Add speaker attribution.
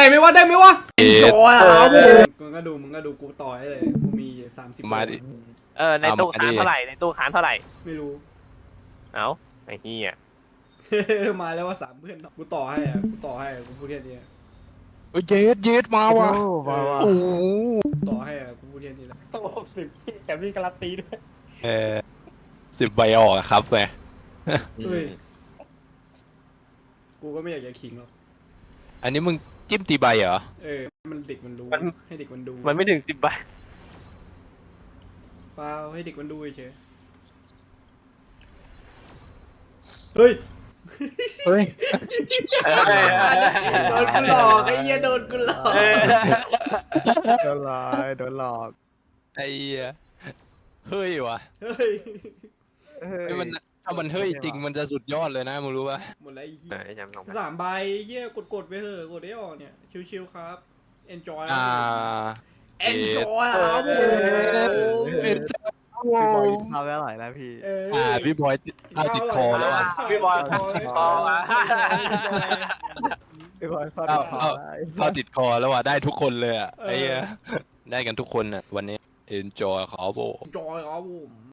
Speaker 1: ไหมวะได้ไหมวะ
Speaker 2: เอ๊ะ
Speaker 1: โจ้ครับมึงก็ดูกูต่อให้เลยกูมี30
Speaker 2: มาดิ
Speaker 3: ในตู้ค้างเท่าไหร่ในตู้ค้างเท่าไหร่
Speaker 1: ไม่รู้
Speaker 3: เอ้าไอ้เหี้ย
Speaker 1: มาแล้วว่า3 เพื่อนกูต่อให้อ่ะกูพูดแค่นี้
Speaker 2: เย็ดมาว่ะโอ้โห
Speaker 1: ต่อให้อ่ะกูพูดแค่นี้แหละ
Speaker 4: ต้อง60พี่แถมมีการันตีด้วย
Speaker 2: 10 ใบออกอะครับแหม
Speaker 1: เฮ้ยกูก็ไม่อยากจะขิงหรอก
Speaker 2: อันนี้มึงจิ้มตีใบเหรอ
Speaker 1: มันเด็กมันรู้ให้เด็กมันดู
Speaker 3: มันไม่ถึง10 ใบ
Speaker 1: เปล่าให้เด็กมันดูเฉยเฮ้ย
Speaker 5: เฮ้ย
Speaker 1: โดนกูหลอกไอ้เหี้ยโดนกูหลอก
Speaker 5: โดนหลอกโดนหลอก
Speaker 2: ไอ้เหี้ยเฮ้ยวะ
Speaker 1: เฮ้ย
Speaker 2: ไอ้มันถ้ามันเฮ้ยจริงมันจะสุดยอดเลยนะมึงรู้ปะ
Speaker 1: หมดแล้วไอ้เหี้
Speaker 3: ไอ้
Speaker 1: ย
Speaker 3: จำลงไป
Speaker 1: 3 ใบเหี้ยกดไปเถอะกดได้ออกเนี่ยชิวๆครับ enjoy enjoy ครับผม
Speaker 5: พี่บอยทำได้หลายแล้วพี่
Speaker 2: พี่บอยเอาติดคอแล้วว่ะ
Speaker 3: พี่บอยคอมา
Speaker 5: พี่บอยฟาด
Speaker 2: เอาติดคอแล้วว่ะได้ทุกคนเลยอ่ะไอ้เหี้ยได้กันทุกคนอ่ะวันนี้ enjoy เขาโบ
Speaker 1: enjoy ครับผม